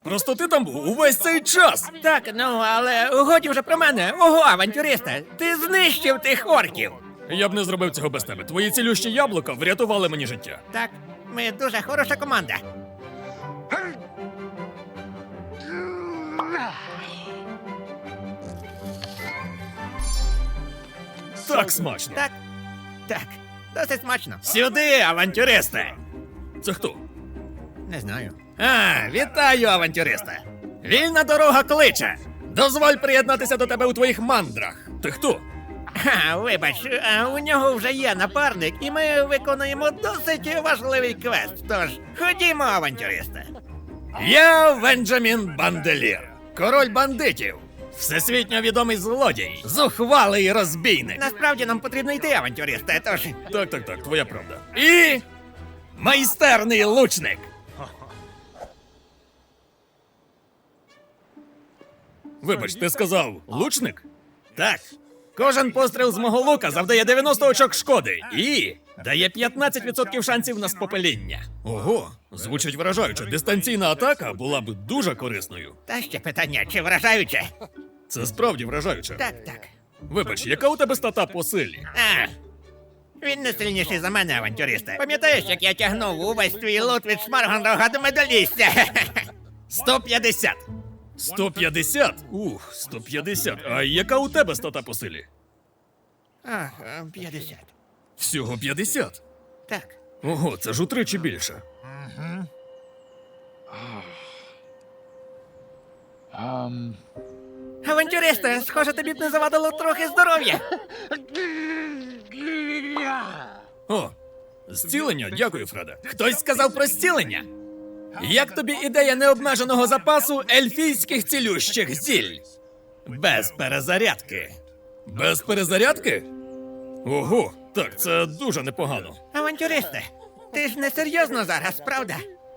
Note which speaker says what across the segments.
Speaker 1: Просто ти там був увесь цей час.
Speaker 2: Так, ну, але годі вже про мене. Ого, авантюриста, ти знищив тих орків.
Speaker 1: Я б не зробив цього без тебе. Твої цілющі яблука врятували мені життя.
Speaker 2: Так, ми дуже хороша команда.
Speaker 1: Так смачно.
Speaker 2: Так, досить смачно. Сюди, авантюристи!
Speaker 1: Це хто?
Speaker 2: Не знаю. Вітаю, авантюриста! Вільна дорога кличе!
Speaker 1: Дозволь приєднатися до тебе у твоїх мандрах. Ти хто?
Speaker 2: Вибач, у нього вже є напарник, і ми виконуємо досить важливий квест. Тож, ходімо, авантюристи.
Speaker 1: Я Венджамін Банделір, король бандитів, всесвітньо відомий злодій, зухвалий розбійник.
Speaker 2: Насправді нам потрібно йти, авантюристи, тож...
Speaker 1: Так, твоя правда. І майстерний лучник. Вибач, ти сказав лучник? Так. Кожен постріл з мого лука завдає 90 очок шкоди і дає 15% шансів на спопеління. Ого, звучить вражаюче. Дистанційна атака була б дуже корисною.
Speaker 2: Та ще питання, чи вражаюче?
Speaker 1: Це справді вражаюче.
Speaker 2: Так.
Speaker 1: Вибач, яка у тебе стата по силі?
Speaker 2: Він не сильніший за мене, авантюристи. Пам'ятаєш, як я тягнув увесь твій лут від Шмаргонрога до медалістя? 150.
Speaker 1: 150? 150. А яка у тебе стата по силі?
Speaker 2: 50.
Speaker 1: Всього 50?
Speaker 2: Так.
Speaker 1: Ого, це ж утричі більше.
Speaker 2: Авантюристи, схоже, тобі б не завадило трохи здоров'я.
Speaker 1: О, зцілення? Дякую, Фреде. Хтось сказав про зцілення? Як тобі ідея необмеженого запасу ельфійських цілющих зіль? Без перезарядки. Без перезарядки? Ого, так, це дуже непогано.
Speaker 2: Авантюристи, ти ж не серйозно зараз, правда?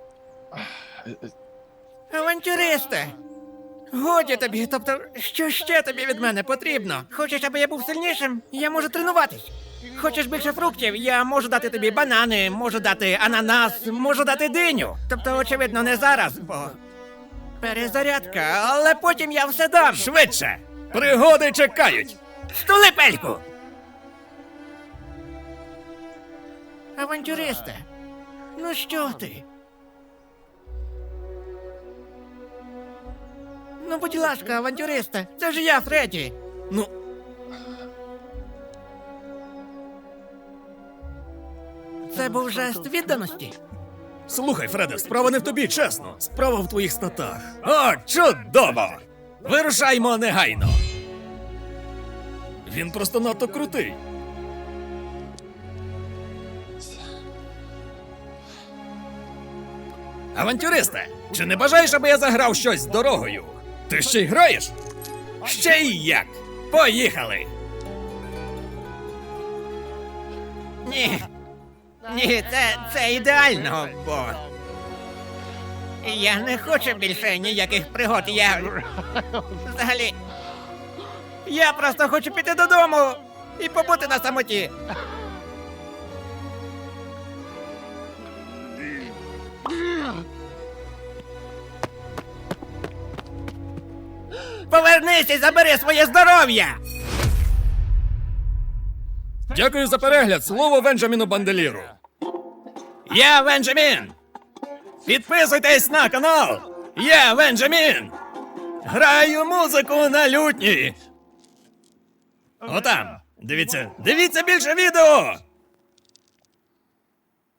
Speaker 2: Авантюристи! Годі тобі, тобто, що ще тобі від мене потрібно? Хочеш, аби я був сильнішим? Я можу тренуватись. Хочеш більше фруктів? Я можу дати тобі банани, можу дати ананас, можу дати диню. Тобто, очевидно, не зараз, бо... перезарядка, але потім я все дам.
Speaker 1: Швидше! Пригоди чекають!
Speaker 2: Стули пельку! Авантюристи, ну що ти? Ну, будь ласка, авантюристи, це ж я, Фредді.
Speaker 1: Ну,
Speaker 2: Це був жест відданості.
Speaker 1: слухай, Фреде, справа не в тобі, чесно. Справа в твоїх статах. О, чудово! Вирушаймо негайно. Він просто надто крутий. Авантюристе, чи не бажаєш, аби я заграв щось з дорогою? Ти ще й граєш? Ще й як! Поїхали!
Speaker 2: Ні, це ідеально, бо... Я не хочу більше ніяких пригод, Взагалі... Я просто хочу піти додому і побути на самоті. Повернись і забери своє здоров'я!
Speaker 1: Дякую за перегляд. Слово Венджаміну Банделіру. Я Венджамін! Підписуйтесь на канал! Я Венджамін! Граю музику на лютні! Отам! Дивіться більше відео!